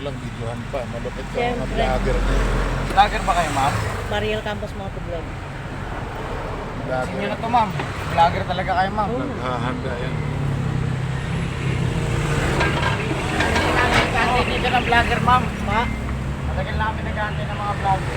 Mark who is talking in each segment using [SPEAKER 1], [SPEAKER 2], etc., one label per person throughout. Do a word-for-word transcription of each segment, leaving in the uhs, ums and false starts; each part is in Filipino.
[SPEAKER 1] lang videohan pa. Malupit ka mga
[SPEAKER 2] Siyempre.
[SPEAKER 1] vlogger na yun.
[SPEAKER 3] Vlogger ba kayo, ma'am?
[SPEAKER 2] Mariel Campos Motovlog.
[SPEAKER 3] Kasi nyo
[SPEAKER 1] Vlogger.
[SPEAKER 3] na to, ma'am. Vlogger talaga kayo, ma'am.
[SPEAKER 2] Oo.
[SPEAKER 1] Naghahanda yan.
[SPEAKER 3] Kasi dito ng vlogger, ma'am.
[SPEAKER 2] Pa?
[SPEAKER 3] Matagal namin nag-aantay ng mga vlogger.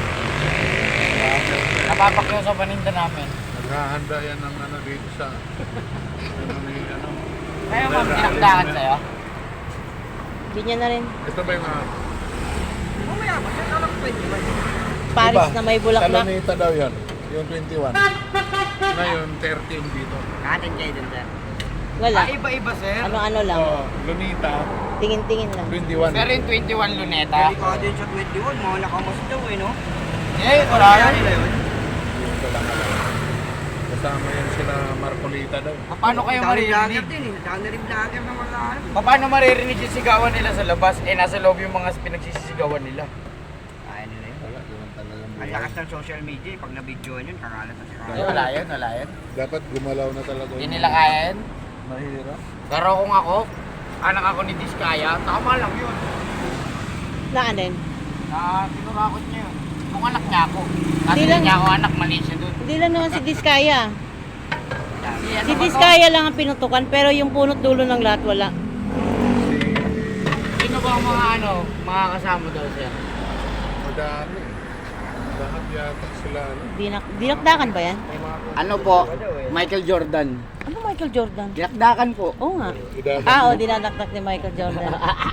[SPEAKER 3] Napapakyaw sa paninda namin.
[SPEAKER 1] Naghahanda yan ng ano dito sa... ano ni ano.
[SPEAKER 3] Kayo, ma'am, tinakdakan sa'yo.
[SPEAKER 2] Hindi niya na rin.
[SPEAKER 1] Ito ba yung... Uh,
[SPEAKER 3] Mamaya, masya ka lang pwede ba?
[SPEAKER 2] Paris na may bulaklak.
[SPEAKER 1] Salonita daw yan. Yung twenty-one. Ngayon, thirty yung dito.
[SPEAKER 3] Katin kayo dun, sir.
[SPEAKER 2] Wala.
[SPEAKER 3] Ah, iba-iba, sir.
[SPEAKER 2] Ano-ano lang.
[SPEAKER 1] Oh, Lunita,
[SPEAKER 2] Tingin-tingin lang.
[SPEAKER 1] twenty-one.
[SPEAKER 3] Pero yung twenty-one luneta.
[SPEAKER 4] Katin sa twenty-one, mga nakamas daw eh, no?
[SPEAKER 3] Eh, wala yan.
[SPEAKER 1] Yung ko lang alam. Kasama yan sila Marcolita daw.
[SPEAKER 3] Paano kayo maririnig?
[SPEAKER 4] Vlogger din eh, dami rin vlogger na mga ano.
[SPEAKER 3] Paano maririnig yung sigawan nila sa labas? Eh, nasa loob yung mga pinagsisisigawan nila.
[SPEAKER 4] Kaya nila yun.
[SPEAKER 1] Wala, ganun talagang
[SPEAKER 4] Ang
[SPEAKER 1] buhay.
[SPEAKER 4] lakas ng social media eh, pag nabidyoan yun, kakalat na si
[SPEAKER 3] Eh,
[SPEAKER 4] Kakalat.
[SPEAKER 3] wala yun, wala yun.
[SPEAKER 1] Dapat gumalaw na talaga.
[SPEAKER 3] Hindi
[SPEAKER 1] yung-
[SPEAKER 3] nila kaya yun.
[SPEAKER 1] Mahirap.
[SPEAKER 3] Pero kung ako, anak ako ni Diskaya, tama lang yun.
[SPEAKER 2] Na ano yun?
[SPEAKER 3] Na tinurakot niya yun. Kung anak niya ako. Kasi
[SPEAKER 2] Di
[SPEAKER 3] hindi
[SPEAKER 2] lang-
[SPEAKER 3] niya ako anak, mali siya dun.
[SPEAKER 2] Hindi lang naman si Diskaya.
[SPEAKER 3] Si, ano
[SPEAKER 2] Si
[SPEAKER 3] ba to?
[SPEAKER 2] Diskaya lang ang pinutukan pero yung punot dulo ng lahat wala.
[SPEAKER 1] Si...
[SPEAKER 3] Sino ba ang mga ano, mga kasama daw sir?
[SPEAKER 1] Madami. Lahat yata sila. Ano?
[SPEAKER 2] Dinak dinakdakan ba yan?
[SPEAKER 3] Ano po? Michael Jordan.
[SPEAKER 2] Ano Michael Jordan?
[SPEAKER 3] Dinakdakan po.
[SPEAKER 2] Oo nga.
[SPEAKER 1] Idadag
[SPEAKER 2] Ah,
[SPEAKER 1] mo.
[SPEAKER 2] oh, dinadakdak ni Michael Jordan.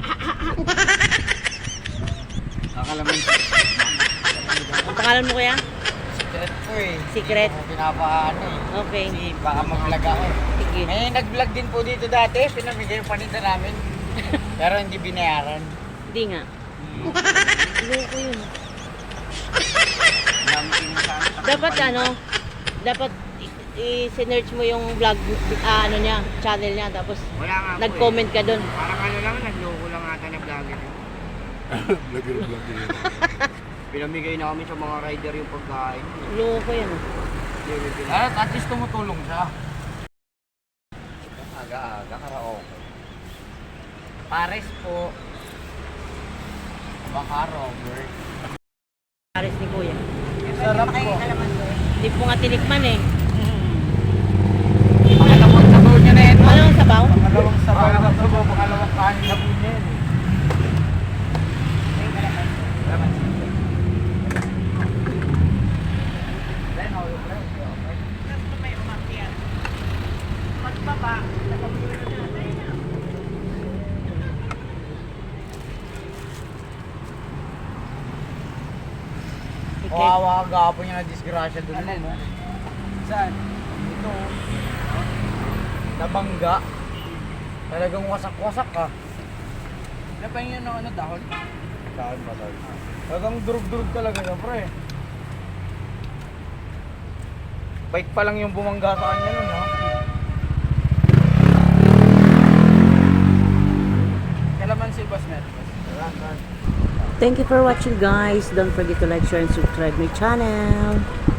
[SPEAKER 3] Nakalaman.
[SPEAKER 2] Ang pangalan mo kaya?
[SPEAKER 3] Secret po eh.
[SPEAKER 2] Secret?
[SPEAKER 3] Hindi ko pinapaano eh.
[SPEAKER 2] Okay.
[SPEAKER 3] Kasi baka mag-vlog ako.
[SPEAKER 2] Sige.
[SPEAKER 3] May nag-vlog din po dito dati. Pinamigay yung paninda namin. Pero hindi binayaran.
[SPEAKER 2] Hindi nga. Loko yun.
[SPEAKER 4] Dami pinuntahan sa
[SPEAKER 2] Dapat ano, dapat i-search mo yung vlog, ah, ano niya, channel niya, tapos
[SPEAKER 4] Wala nga po
[SPEAKER 2] nag-comment ka doon.
[SPEAKER 4] eh. Parang ano lang, nagloko lang ata na vlogger. yun.
[SPEAKER 1] Vlogger, vlogger.
[SPEAKER 4] Pinamigay na kami sa mga rider yung pagkain.
[SPEAKER 2] Loko yun.
[SPEAKER 4] Hindi, may pinag-
[SPEAKER 3] At at least tumutulong siya. Aga-aga, karaoke. Pares po. Baka Robert.
[SPEAKER 2] Pares ni Kuya.
[SPEAKER 3] Sarap po.
[SPEAKER 2] Hindi po nga tinikman eh.
[SPEAKER 3] Pangalawang sabaw niya na ito.
[SPEAKER 2] Ano ang sabaw?
[SPEAKER 3] Pangalawang sabaw na sabaw. Pangalawang kanin na po niya yun. Kawawa ka gapon niya na disgrasya doon. Ano, no? Saan? Ito. Nabangga. Talagang wasak-wasak ka. Napahingin ng ano dahon? Dahon ba dahon? Talagang durug-durug talaga siya, pre. Bike pa lang yung bumangga sa kanya nun, ha? Kailaman si Boss Met?
[SPEAKER 2] Thank you for watching guys. Don't forget to like, share, and subscribe my channel.